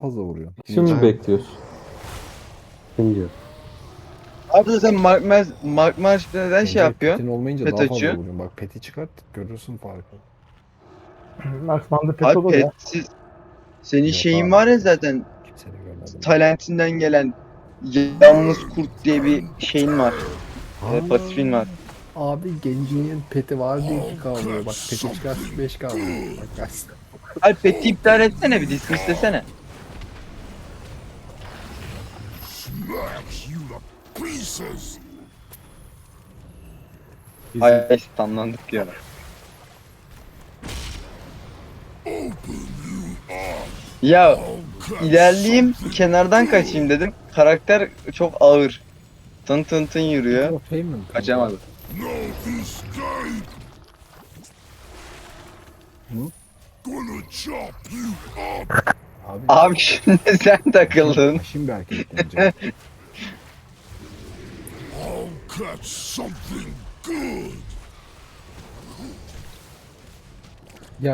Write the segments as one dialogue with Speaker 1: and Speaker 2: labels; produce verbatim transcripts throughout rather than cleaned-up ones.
Speaker 1: fazla vuruyor.
Speaker 2: Şimdi bekliyoruz.
Speaker 3: Kim diyor?
Speaker 4: Abi sen Mark March, Mark March neden şey
Speaker 1: Bence
Speaker 4: yapıyorsun?
Speaker 1: petin olmayınca
Speaker 4: Pet
Speaker 1: daha fazla
Speaker 4: açıyor.
Speaker 1: vuruyorsun. Bak peti çıkart görürsün farkı.
Speaker 5: Marksman'da pet
Speaker 4: Abi
Speaker 5: olur ya.
Speaker 4: petsiz. Senin
Speaker 1: Yok
Speaker 4: şeyin
Speaker 1: abi.
Speaker 4: var ya zaten.
Speaker 1: Kimse de görmedim.
Speaker 4: Talentinden gelen yalnız kurt diye bir şeyin var. E,
Speaker 1: Aa,
Speaker 4: pasifin var.
Speaker 1: abi gencinin peti var diye iki k vuruyor. Bak peti çıkart beş k vuruyor. Bak kaç.
Speaker 4: Abi peti iptal etsene, bir dismiss desene. Ay stunlandık ya. Ya ilerleyeyim kenardan kaçayım dedim. Karakter çok ağır. Tın tın tın yürüyor.
Speaker 1: Payment.
Speaker 4: Kaçamadı.
Speaker 1: Abi.
Speaker 4: Abi şimdi sen takıldın.
Speaker 1: Şimdi bir hareket bence. Ya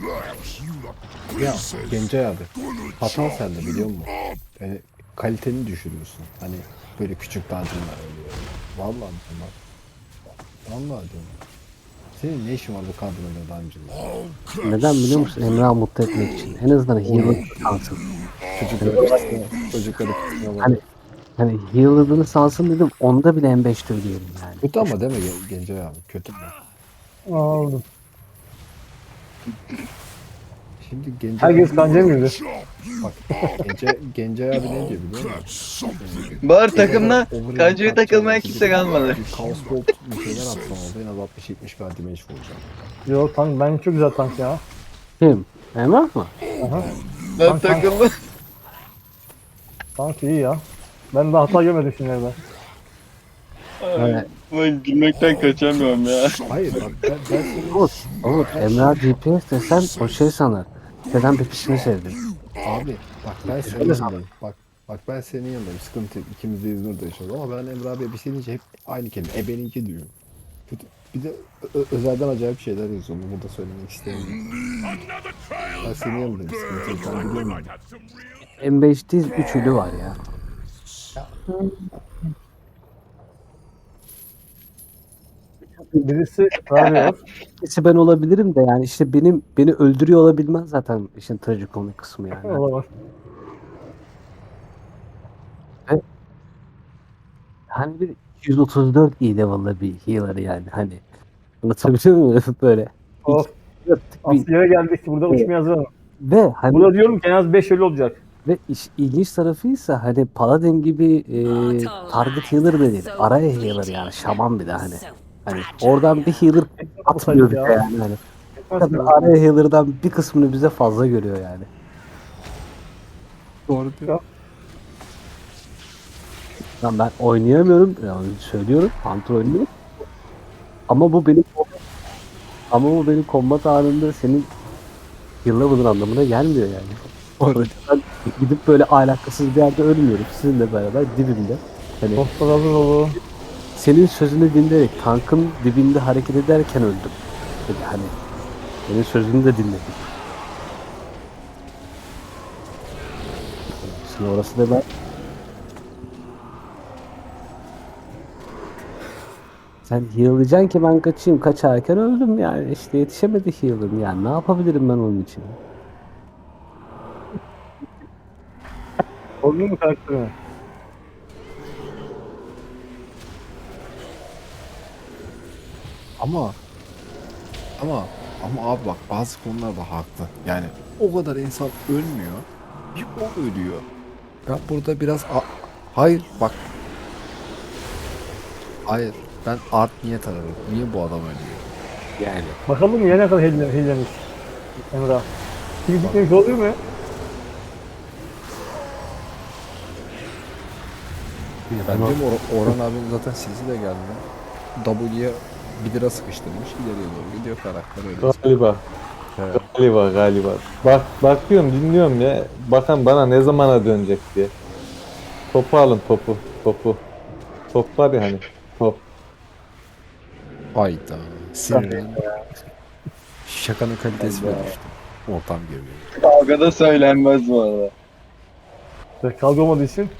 Speaker 1: ya Gencay abi hata sende biliyor musun? Yani kaliteni düşürüyorsun. Hani böyle küçük dungeonlar oluyor. Vallahi diyorum bak. Vallahi diyorum. Senin ne işin var bu kadroyla dungeon'da?
Speaker 3: Neden biliyor musun? Emrah'ı mutlu etmek için. En azından healer kalsın.
Speaker 1: Çocukları kısmına, çocukları kısmına
Speaker 3: Hani
Speaker 1: bak.
Speaker 3: hani healer'ını salsın dedim. Onda bile M beşte ölüyorum yani.
Speaker 1: Kötü ama değil mi Gen- Gencay abi? Kötü mü?
Speaker 5: Aldım.
Speaker 1: Şimdi Gencay
Speaker 5: Herkes
Speaker 1: abi,
Speaker 5: kanca mı yürüdü?
Speaker 1: bak Gencay, Gencay abi ne diyor biliyor musun?
Speaker 4: Bağır takımda
Speaker 1: Overhead
Speaker 4: kancaya
Speaker 1: atacağım,
Speaker 4: takılmaya kimse kalmadı.
Speaker 1: Bir Chaos Bolt bir şeyler atsam oldu en az altmış yetmiş k damage vuracağım.
Speaker 5: Yok tank, ben çok güzel tank ya.
Speaker 3: Kim? Emrah mı?
Speaker 5: Aha,
Speaker 4: Ben takıldım.
Speaker 5: tank iyi ya. Ben de hata görmedim şimdi ben.
Speaker 3: Evet.
Speaker 4: Ben gülmekten kaçamıyorum ya.
Speaker 1: Hayır bak ben, ben seni...
Speaker 3: Umut, Umut, Emrah G P S desen o şey sanır. Neden pepisini sevdim.
Speaker 1: Abi bak ben senin
Speaker 3: Öyle
Speaker 1: yanındayım. Bak bak ben senin yanındayım. Sıkıntı yok. İkimiz de İzmir'de yaşıyoruz ama ben Emre abiye bir şey deyince hep aynı kelime. Ebeninki diyor. Kötü. Bir de ö- özelden acayip şeyler yazıyor. Bunu burada söylemek istemiyorum. Ben senin yanındayım. Sıkıntı yok. Ben biliyorum.
Speaker 3: M beş değil üç ölü var ya.
Speaker 5: Birisi Rabios.
Speaker 3: Birisi ben olabilirim de yani işte benim beni öldürüyor olabilmez zaten işin trajikomik kısmı yani.
Speaker 5: Olamaz.
Speaker 3: Hani bir yüz otuz dört iyi level'lı bir healer yani hani. Anlatabiliyor muyum? Böyle.
Speaker 5: Of.
Speaker 3: Dörtlük bir,
Speaker 5: Asıl yere geldik. Burada
Speaker 3: Evet.
Speaker 5: uçmaya hazır olun.
Speaker 3: ve hani
Speaker 5: Burada diyorum ki en az beş ölü olacak.
Speaker 3: ve iş, ilginç tarafıysa hani Paladin gibi e, target healer da değil. Araya healer yani şaman bir de hani. Hani oradan bir healer atmıyor bize
Speaker 5: ya.
Speaker 3: yani hani.
Speaker 5: Etmez
Speaker 3: Tabii
Speaker 5: ki.
Speaker 3: araya healer'dan bir kısmını bize fazla görüyor yani.
Speaker 1: Doğru diyor.
Speaker 3: Lan ben oynayamıyorum. Yani söylüyorum. Hunter oynuyorum. Ama bu benim ama bu benim combat anında senin yıllamadığın anlamına gelmiyor yani. Orada ben gidip böyle alakasız bir yerde ölmüyorum. Sizinle beraber dibimde. Hani
Speaker 5: Dostlar hazır olun.
Speaker 3: senin sözünü dinleyerek tankın dibinde hareket ederken öldüm. Yani hani senin sözünü de dinledim. Şimdi orası da ben sen heal'layacaksın ki ben kaçayım. Kaçarken öldüm yani. İşte yetişemedi heal'ım yani. Ne yapabilirim ben onun için?
Speaker 5: Oldun mu karakterine?
Speaker 1: Ama ama ama abi bak bazı konularda haklı. Yani o kadar insan ölmüyor. Bir o ölüyor. Ben burada biraz a- hayır bak. Hayır. Ben art niyet ararım. Niye bu adam ölüyor? Yani.
Speaker 5: Bakalım ya ne kadar hile, hilemiş. Emrah. Kim gitmemiş oluyor mu?
Speaker 1: Ben diyorum Or- Orhan abim zaten sesi de geldi. W'ye bir lira sıkıştırmış. İleriye doğru gidiyor karakter öyle.
Speaker 2: Galiba.
Speaker 1: Evet.
Speaker 2: Galiba galiba. Bak bakıyorum dinliyorum ya. Bakan bana ne zamana dönecek diye. Topu alın topu. Topu. Top var ya hani. Top.
Speaker 1: Hayda. Sinirlen. Şakanın kalitesi bile düştü. Ortam geliyor.
Speaker 4: Kavgada söylenmez bu arada.
Speaker 5: İşte kavga olmadığı için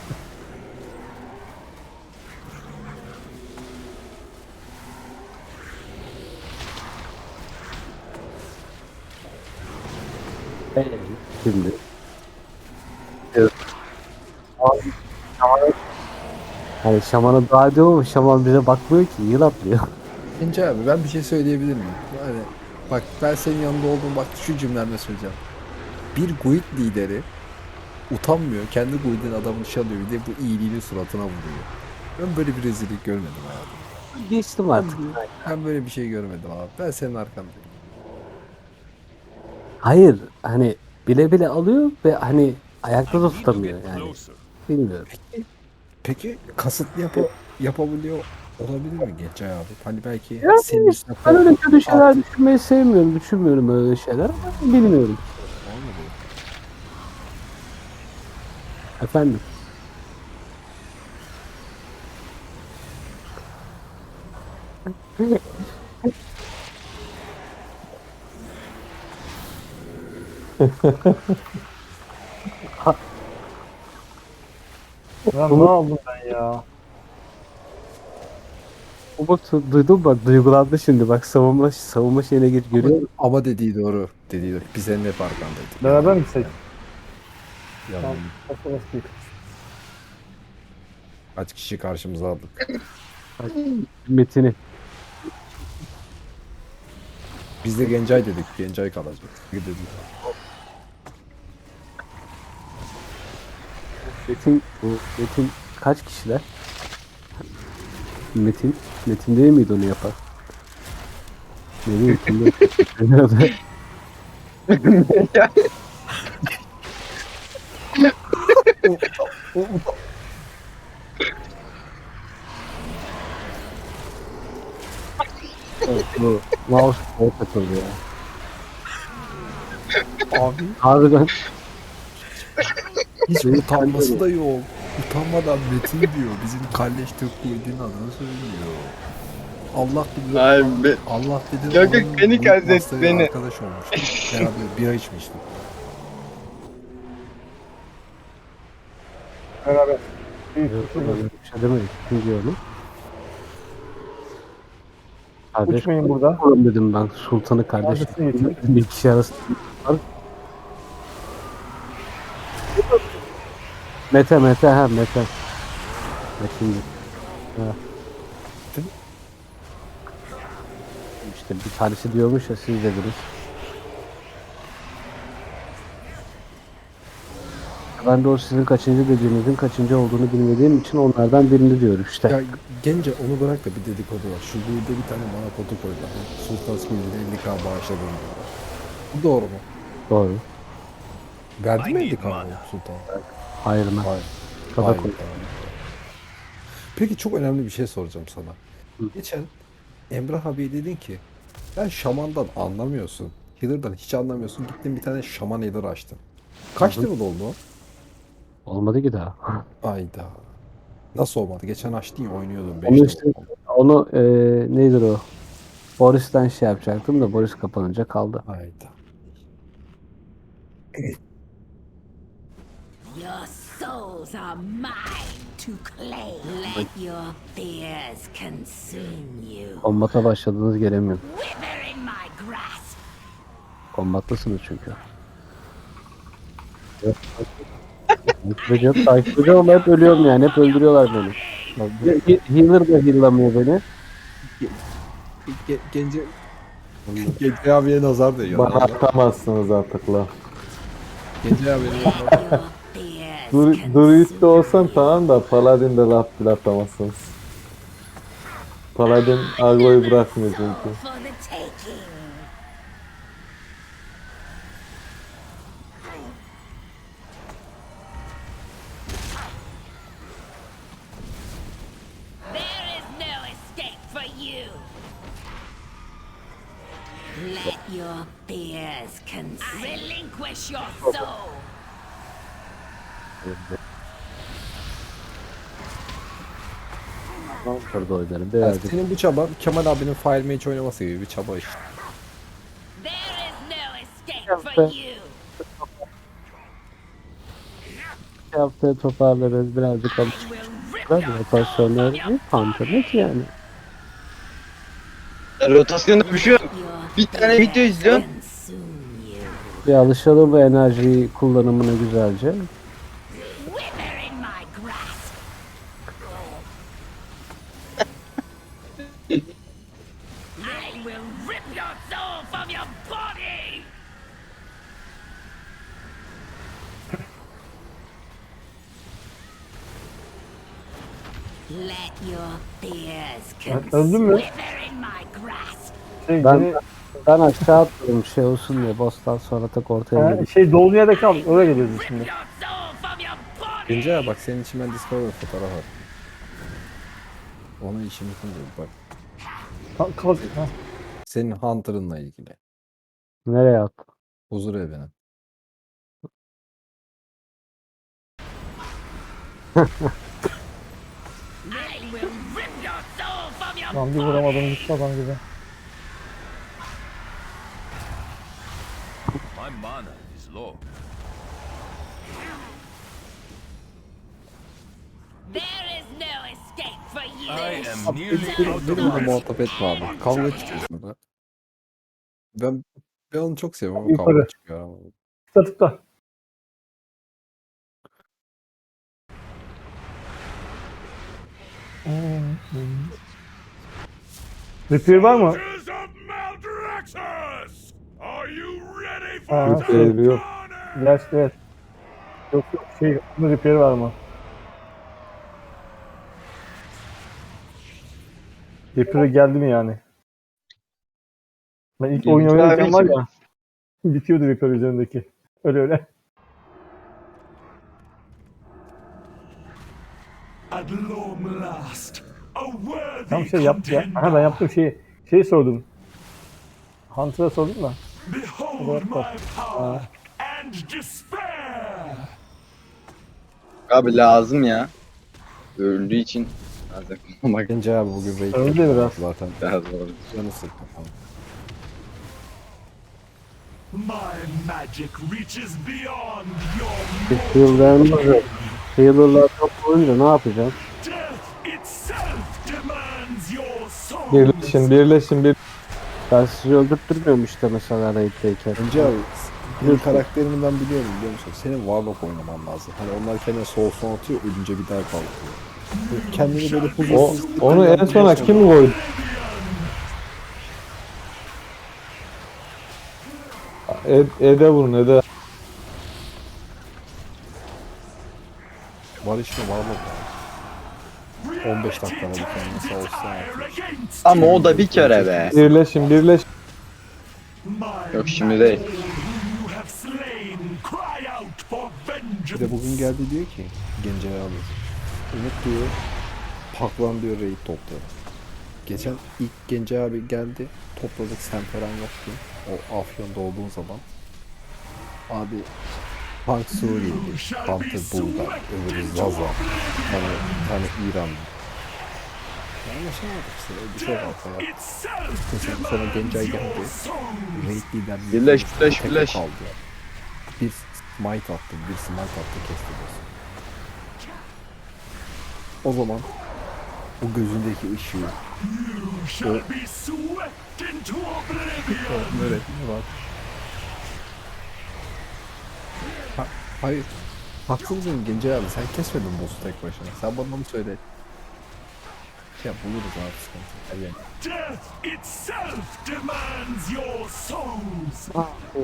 Speaker 3: Ee, Şimdi. Evet. Abi, Şaman'a- Hani Şaman'a dua ediyor ama Şaman bize bakmıyor ki, yıl atlıyor.
Speaker 1: Gence abi ben bir şey söyleyebilir miyim? Yani bak ben senin yanında olduğum bak şu cümlemle söyleyeceğim. Bir guild lideri utanmıyor. Kendi guild'in adamını çalıyor. Bir de bu iyiliğini suratına vuruyor. Ben böyle bir rezillik görmedim hayatımda.
Speaker 3: Geçtim artık.
Speaker 1: Ben böyle bir şey görmedim abi. Ben senin arkandayım.
Speaker 3: Hayır, hani bile bile alıyor ve hani ayakta da tutamıyor yani. Bilmiyorum.
Speaker 1: Peki kasıtlı yapı yapabiliyor olabilir mi Gence abi? Hani belki
Speaker 3: Yani
Speaker 1: senin üstüne
Speaker 3: Ben öyle
Speaker 1: korkup
Speaker 3: kötü şeyler
Speaker 1: artık-
Speaker 3: düşünmeyi sevmiyorum. Düşünmüyorum öyle şeyler ama bilmiyorum.
Speaker 1: Olmadı.
Speaker 3: Efendim.
Speaker 5: ya ne aldım ben ya?
Speaker 3: Umut duydum bak, duygulandı şimdi bak, savunma savunma şeyine geç görüyor musun?
Speaker 1: Ama dediği doğru. Dediği doğru. Biz senin hep arkandaydık.
Speaker 5: Beraber mi gitsek?
Speaker 1: Yalan.
Speaker 5: Tamam. Nasıl nasıl
Speaker 1: Kaç kişi karşımıza aldık.
Speaker 3: Metin'i.
Speaker 1: Biz de Gencay dedik. Gencay kalacak. Dedik.
Speaker 3: Metin, bu Metin kaç kişiler? Metin, Metin değil miydi onu yapan? Ne bileyim kimde? Nerede? Bu mouse o takıldı ya.
Speaker 1: Abi
Speaker 3: Harbiden
Speaker 1: hiç
Speaker 3: Benim
Speaker 1: utanması da yok. Utanmadan Metin diyor. Bizim kalleş Türk Kuyu'nun adını söylüyor. Allah bilir.
Speaker 4: Ay be.
Speaker 1: Allah bilir.
Speaker 4: Yok, yok,
Speaker 1: onun
Speaker 4: beni
Speaker 1: bu
Speaker 4: kastet,
Speaker 1: masaya
Speaker 4: beni.
Speaker 1: Arkadaş olmuş. Beraber bira içmiştik.
Speaker 5: Beraber. İyi.
Speaker 3: öyle bir şey demedik. Kim diyor onu? Kardeş
Speaker 5: Uçmayın burada.
Speaker 3: oğlum dedim ben, sultanı kardeş.
Speaker 5: Kardeşini getirin.
Speaker 3: Bir kişi arası. Mete Mete ha Mete. Metin. Ha. İşte bir tanesi diyormuş ya, siz dediniz. Ben de o sizin kaçıncı dediğinizin kaçıncı olduğunu bilmediğim için onlardan birini diyorum işte.
Speaker 1: Ya Gence onu bırak da bir dedikodu var. Şu Kuyu'da bir tane bana foto koydular. Sultan Süleyman'ın elli k bağışladım diyorlar. Bu doğru mu?
Speaker 3: Doğru.
Speaker 1: Verdi mi elli k Sultan?
Speaker 3: Hayır mı?
Speaker 1: Hayır.
Speaker 3: Kafa
Speaker 1: Hayır,
Speaker 3: koy.
Speaker 1: tamam. Peki çok önemli bir şey soracağım sana.
Speaker 3: Hı.
Speaker 1: Geçen Emrah abi dedin ki sen şamandan anlamıyorsun. Healer'dan hiç anlamıyorsun. Gittin bir tane şaman healer açtın. Kaç
Speaker 3: Hı hı.
Speaker 1: level oldu o?
Speaker 3: Olmadı ki daha.
Speaker 1: Ayda. Nasıl olmadı? Geçen açtın ya oynuyordun beş
Speaker 3: Onu
Speaker 1: level
Speaker 3: işte
Speaker 1: oldu.
Speaker 3: onu e, nedir o? Boris'ten şey yapacaktım da Boris kapanınca kaldı.
Speaker 1: Ayda.
Speaker 6: Your souls are mine to claim. Let your fears consume you.
Speaker 3: Kombata başladınız, gelemiyorum.
Speaker 6: Wither in my grasp.
Speaker 3: Kombatlısınız çünkü. Takip ediyorum, takip ediyorum ama hep ölüyorum yani. Hep öldürüyorlar beni. He- Healer da heal'lamıyor beni.
Speaker 1: Ge Gence Gence abiye nazar değiyor.
Speaker 2: Bana atamazsınız artık la.
Speaker 1: Gence abiye nazar
Speaker 6: Your fears
Speaker 2: Dur, Druid de
Speaker 6: consume
Speaker 2: olsam
Speaker 6: you.
Speaker 2: tamam da Paladin de laf bile atamazsınız. Paladin agroyu bırakmıyor çünkü.
Speaker 6: For the taking. There is no escape for you. Let your fears consume. Relinquish your soul.
Speaker 3: Burada oynarım.
Speaker 1: Ya
Speaker 3: Birazcık.
Speaker 1: senin bu çaban Kemal abinin Fire Mage oynaması gibi bir çaba işte.
Speaker 6: There is no escape for you.
Speaker 3: iki haftaya toparlarız. Birazcık
Speaker 6: I
Speaker 3: alışırız.
Speaker 6: will rip
Speaker 3: Böyle
Speaker 6: your soul
Speaker 3: rotasyonları
Speaker 6: from your
Speaker 3: Hunter'lık yani.
Speaker 4: Rotasyonda bir şey yok.
Speaker 6: Your
Speaker 4: Bir tane video
Speaker 6: fears
Speaker 4: izliyorum.
Speaker 6: consume you.
Speaker 3: Bir alışalım bu enerjiyi kullanımına güzelce.
Speaker 6: Wither in my grasp. I will rip your soul from your body. Let your fears
Speaker 5: Ben öldüm mü?
Speaker 6: wither in my grasp.
Speaker 5: Şey,
Speaker 3: Ben
Speaker 5: beni-
Speaker 3: ben aşağı atladım şey olsun diye boss'tan sonra tak ortaya
Speaker 5: Ha,
Speaker 3: geldim.
Speaker 5: şey dolduğu yerde kal. Oraya geliyoruz
Speaker 6: Rip
Speaker 5: şimdi.
Speaker 6: your soul from your body.
Speaker 1: Gencay abi bak senin için ben Discovery fotoğraf attım. Onun için bitince bak.
Speaker 5: Kalk. kalk. Ha.
Speaker 1: Senin Hunter'ınla ilgili.
Speaker 3: Nereye attın?
Speaker 1: Huzur evine.
Speaker 6: I will rip your soul from your
Speaker 5: Lan bir vuramadım gitti adam gibi.
Speaker 7: My mana is low.
Speaker 6: There is no escape for you.
Speaker 7: I am nearly
Speaker 1: Beni,
Speaker 7: out of
Speaker 1: benimle
Speaker 7: mana.
Speaker 1: muhatap etme abi. Kavga çıkıyorsun da. Ben, ben onu çok seviyorum ama
Speaker 5: Yukarı.
Speaker 1: kavga çıkıyor ama.
Speaker 5: Tıkla tıkla. Repair var mı?
Speaker 7: of Maldraxxus! Are you ready
Speaker 5: Ha,
Speaker 2: Repair
Speaker 5: şey,
Speaker 2: yok.
Speaker 5: Gerçi evet. Yok yok şey, bunun repair var mı? Repair geldi mi yani? Ben ilk
Speaker 4: Gelmiş
Speaker 5: oyun oynarken
Speaker 4: abi
Speaker 5: var
Speaker 4: için.
Speaker 5: ya, bitiyordu repair üzerindeki. Öyle öyle.
Speaker 7: At long last, a worthy
Speaker 5: Tam şey yaptı ya. Aha ben yaptım şeyi. Şeyi sordum. Hunter'a sordum da.
Speaker 7: Behold my power and despair!
Speaker 4: Abi lazım ya. Öldüğü için lazım. Bak
Speaker 1: Gencay abi bugün raid
Speaker 5: Öyle
Speaker 1: yapıyor
Speaker 5: biraz.
Speaker 1: zaten.
Speaker 4: lazım oldu.
Speaker 1: Canı sıktı falan.
Speaker 7: My magic reaches beyond your
Speaker 3: Bir heal'larımız yok. Healer'lar çok olunca ne yapacağım?
Speaker 7: death itself demands your soul.
Speaker 2: Birleşin birleşin bir.
Speaker 3: Ben sizi öldürtmüyorum işte mesela raid'deyken.
Speaker 1: Gencay abi senin karakterini ben biliyorum biliyor musun? Senin Warlock oynaman lazım. Hani onlar kendine soul son atıyor ölünce bir daha kalkıyor. Böyle kendini böyle
Speaker 2: O,
Speaker 1: huzursuz...
Speaker 2: onu en sona kim koydu? Ed, Ed'e vurun Ed'e.
Speaker 1: Var işte Warlock var. on beş dakikada bir kendine sağ olsun atıyor.
Speaker 4: Ama o da bir kere be.
Speaker 2: Birleşin birleşin.
Speaker 4: Yok şimdi değil.
Speaker 7: You have slain, cry out for
Speaker 1: Bir
Speaker 7: vengeance.
Speaker 1: de bugün geldi diyor ki Gencay abi. Umut diyor Paklan diyor raid topla. Geçen ilk Gencay abi geldi topladık sen falan yoktu. O Afyon'da olduğun zaman. Abi Punk Suriyeli, Hunter Bulgar, öbürü Zaza, hani bir tane İranlı. Anlaşamadık işte öyle bir şey var falan.
Speaker 7: Itself
Speaker 1: Mesela sonra Gencay geldi. Raid liderliği
Speaker 4: Birleş,
Speaker 1: konusunda
Speaker 4: birleş,
Speaker 1: tek
Speaker 4: birleş.
Speaker 1: kaldı. Bir smite attı, bir smite attı kesti boss'u. O zaman o gözündeki ışığı,
Speaker 7: You shall be swept into oblivion.
Speaker 1: öğretmeni var. Ha, hayır. Haksız mıyım Gencay abi? Sen kesmedin boss'u tek başına. Sen bana onu söyle. Ya buluruz abi sıkıntı. Hadi yani.
Speaker 7: Death itself demands your souls.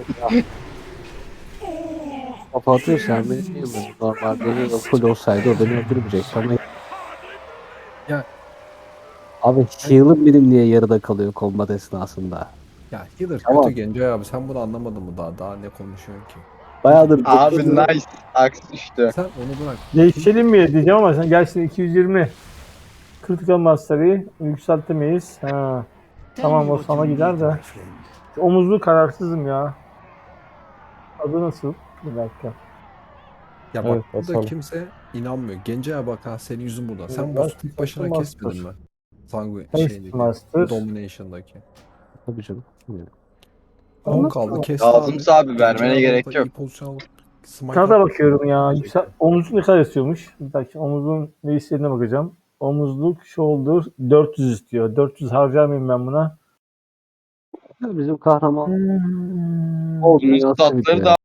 Speaker 3: Kafa atıyorsan beni değil mi? Normalde benim de full olsaydı o beni öldürmeyecekti ama...
Speaker 1: Ya-
Speaker 3: Abi heal'ım benim niye yarıda kalıyor combat esnasında?
Speaker 1: Ya healer
Speaker 3: Tamam.
Speaker 1: kötü Gencay abi. Sen bunu anlamadın mı daha? Daha ne konuşuyorsun ki?
Speaker 3: Bayağıdır...
Speaker 4: Abi nice. Aks düştü.
Speaker 1: Sen onu bırak.
Speaker 5: Değişelim mi diyeceğim ama sen gelsin iki yüz yirmi. Critical Mastery yükseltemeyiz. Ha. Tamam o sana gider de. Omuzlu kararsızım ya. Adı nasıl? Bir dakika.
Speaker 1: Ya bak
Speaker 2: Evet,
Speaker 1: burada
Speaker 2: basalım.
Speaker 1: kimse inanmıyor. Gencay abi bak ha senin yüzün burada. Sen
Speaker 5: Evet,
Speaker 1: boss'u tek başına
Speaker 5: Master.
Speaker 1: kesmedin mi? Sanguine
Speaker 5: Haste
Speaker 1: şeydeki.
Speaker 5: Master.
Speaker 1: Domination'daki.
Speaker 3: Tabii canım.
Speaker 1: on kaldı kesti
Speaker 4: Lazımsa abi vermene
Speaker 1: Gencay
Speaker 4: gerek
Speaker 1: orada
Speaker 4: yok.
Speaker 1: iyi pozisyon alıp
Speaker 5: Sana da bakıyorum ya. Yüksel, omuzluk ne kadar istiyormuş? Bir dakika omuzun ne istediğine bakacağım. Omuzluk shoulder dört yüz istiyor. dört yüz harcamayayım ben buna.
Speaker 3: Bizim kahraman
Speaker 5: Hmm.
Speaker 3: o
Speaker 4: Bunun
Speaker 3: dünyası
Speaker 4: statları
Speaker 3: bitiyor.
Speaker 4: da